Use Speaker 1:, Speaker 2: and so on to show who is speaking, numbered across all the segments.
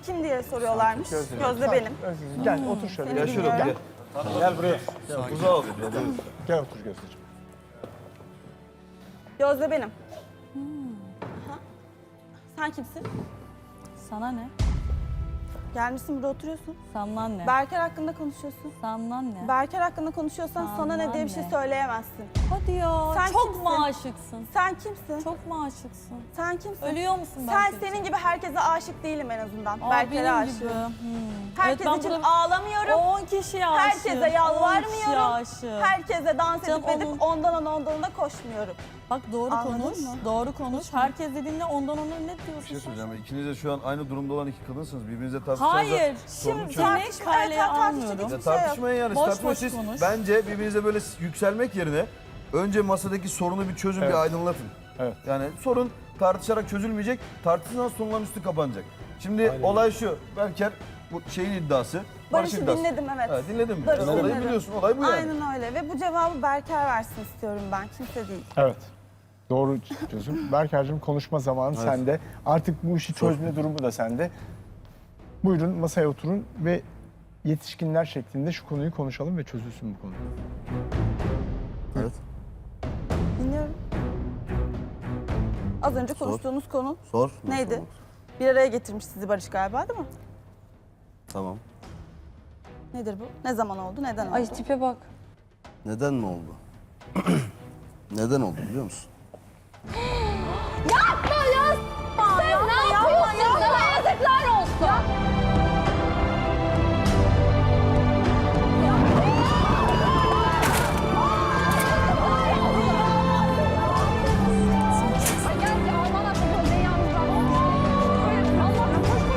Speaker 1: kim diye soruyorlarmış. Gözde benim.
Speaker 2: Gel otur şöyle.
Speaker 1: Seni
Speaker 3: Gel şuraya
Speaker 1: bilmiyorum.
Speaker 3: gel.
Speaker 2: Gel buraya.
Speaker 3: Uzağa ol.
Speaker 2: Gel otur Gözdeciğim.
Speaker 1: Gözde benim. Ha? Sen kimsin?
Speaker 4: Sana ne?
Speaker 1: Gelmişsin burada oturuyorsun.
Speaker 4: Sana ne?
Speaker 1: Berker hakkında konuşuyorsun.
Speaker 4: Sana ne?
Speaker 1: Berker hakkında konuşuyorsan sana ne diye bir şey
Speaker 4: ne?
Speaker 1: söyleyemezsin.
Speaker 4: Hadi ya.
Speaker 1: Sen
Speaker 4: çok
Speaker 1: kimsin?
Speaker 4: mu aşıksın?
Speaker 1: Sen kimsin?
Speaker 4: Çok mu aşıksın?
Speaker 1: Sen kimsin?
Speaker 4: Ölüyor musun
Speaker 1: Sen
Speaker 4: Berker için?
Speaker 1: senin gibi herkese aşık değilim en azından.
Speaker 4: Aa,
Speaker 1: Berker'e
Speaker 4: benim
Speaker 1: aşığım.
Speaker 4: gibi.
Speaker 1: Herkes
Speaker 4: Evet, ben
Speaker 1: için
Speaker 4: burada
Speaker 1: ağlamıyorum.
Speaker 4: 10 kişiye aşığım.
Speaker 1: Herkese
Speaker 4: 10 kişiye
Speaker 1: yalvarmıyorum.
Speaker 4: aşığım.
Speaker 1: Herkese dans
Speaker 4: Canım
Speaker 1: edip edip ondan da koşmuyorum.
Speaker 4: Bak doğru
Speaker 1: Anladın
Speaker 4: konuş.
Speaker 1: mı?
Speaker 4: Doğru konuş. Herkes dediğinde ondan ona ne
Speaker 3: Bir
Speaker 4: diyorsun
Speaker 3: şey
Speaker 4: sen?
Speaker 3: söyleyeceğim. İkiniz de şu an aynı durumda olan iki kadınsınız. Birbirinize tartışacağınızda...
Speaker 4: Hayır.
Speaker 3: sorunu
Speaker 4: Şimdi
Speaker 3: çözün.
Speaker 4: seni kaleye almıyorum.
Speaker 3: Ya
Speaker 1: şey yok.
Speaker 3: tartışmayın yani.
Speaker 4: Boş
Speaker 3: Tartışmayın.
Speaker 4: boş
Speaker 3: Siz
Speaker 4: konuş.
Speaker 3: bence birbirinize böyle yükselmek yerine önce masadaki sorunu bir çözün,
Speaker 2: Evet.
Speaker 3: bir aydınlatın.
Speaker 2: Evet.
Speaker 3: Yani sorun tartışarak çözülmeyecek, tartışmadan sonundan üstü kapanacak. Şimdi olay şu, Berker bu şeyin iddiası.
Speaker 1: Barış'ı
Speaker 3: iddiası.
Speaker 1: dinledim evet.
Speaker 3: Evet, dinledin mi?
Speaker 1: Barış'ı
Speaker 3: Olayı
Speaker 1: dinledim.
Speaker 3: biliyorsun, olay bu yani.
Speaker 1: Aynen öyle ve bu cevabı Berker versin istiyorum ben, kimse değil.
Speaker 2: Evet. Doğru çözüm. Berker'cığım konuşma zamanı sende. Artık bu işi çözme durumu da sende. Buyurun masaya oturun ve yetişkinler şeklinde şu konuyu konuşalım ve çözülsün bu konu.
Speaker 3: Evet.
Speaker 1: Dinliyorum. Az önce konuştuğunuz konu
Speaker 3: Sor.
Speaker 1: neydi? Bir araya getirmiş sizi Barış galiba değil mi?
Speaker 3: Tamam.
Speaker 1: Nedir bu? Ne zaman oldu? Neden oldu?
Speaker 4: Ay tipe bak.
Speaker 3: Neden mi oldu? Neden oldu biliyor musun?
Speaker 5: Yapma ya! Sen ne yapıyorsun? Sana yazıklar olsun. Ay gel ya, aman Allah'ım, beni yalnız bırakma. Allah'ım, koş, koş,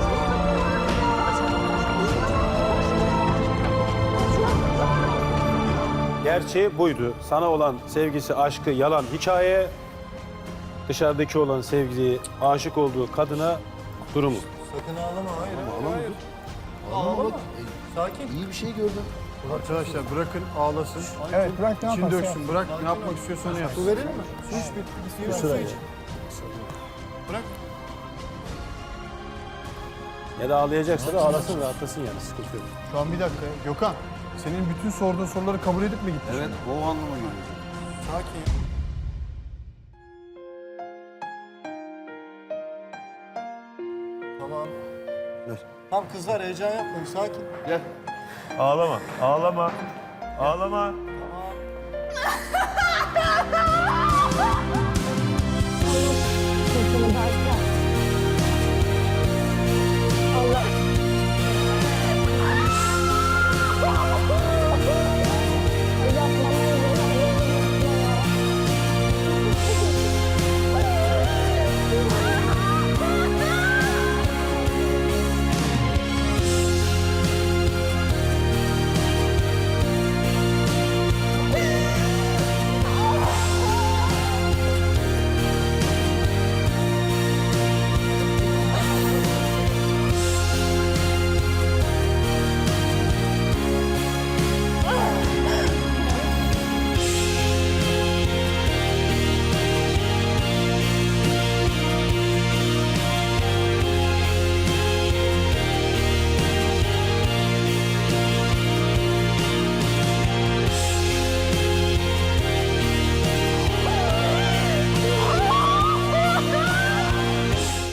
Speaker 6: Gerçeği buydu. Sana olan sevgisi, aşkı yalan hikaye. Dışarıdaki olan sevgisi, aşık olduğu kadına durumu.
Speaker 7: Sakın ağlama, hayır.
Speaker 3: Ağlama.
Speaker 7: Sakin.
Speaker 3: İyi bir şey gördüm.
Speaker 7: Arkadaşlar bırakın ağlasın.
Speaker 2: Evet bırak ne
Speaker 7: İçini
Speaker 2: yaparsa
Speaker 7: döksün, bırak ne yapmak istiyorsa onu yapsın.
Speaker 3: Su verelim mi?
Speaker 7: Su iç, bir su iç. Bırak.
Speaker 6: Ya da ağlayacaksa da ağlasın, rahatlasın yani, sıkıntı yok.
Speaker 7: Şu an bir dakika. Gökhan, senin bütün sorduğun soruları kabul edip mi gittin?
Speaker 3: Evet, o anlama geliyor.
Speaker 7: Sakin. Tamam.
Speaker 3: Ver.
Speaker 7: Tamam kızlar heyecan yapmayın, sakin.
Speaker 3: Gel.
Speaker 8: Ağlama, ağlama, ağlama.
Speaker 1: Sırtını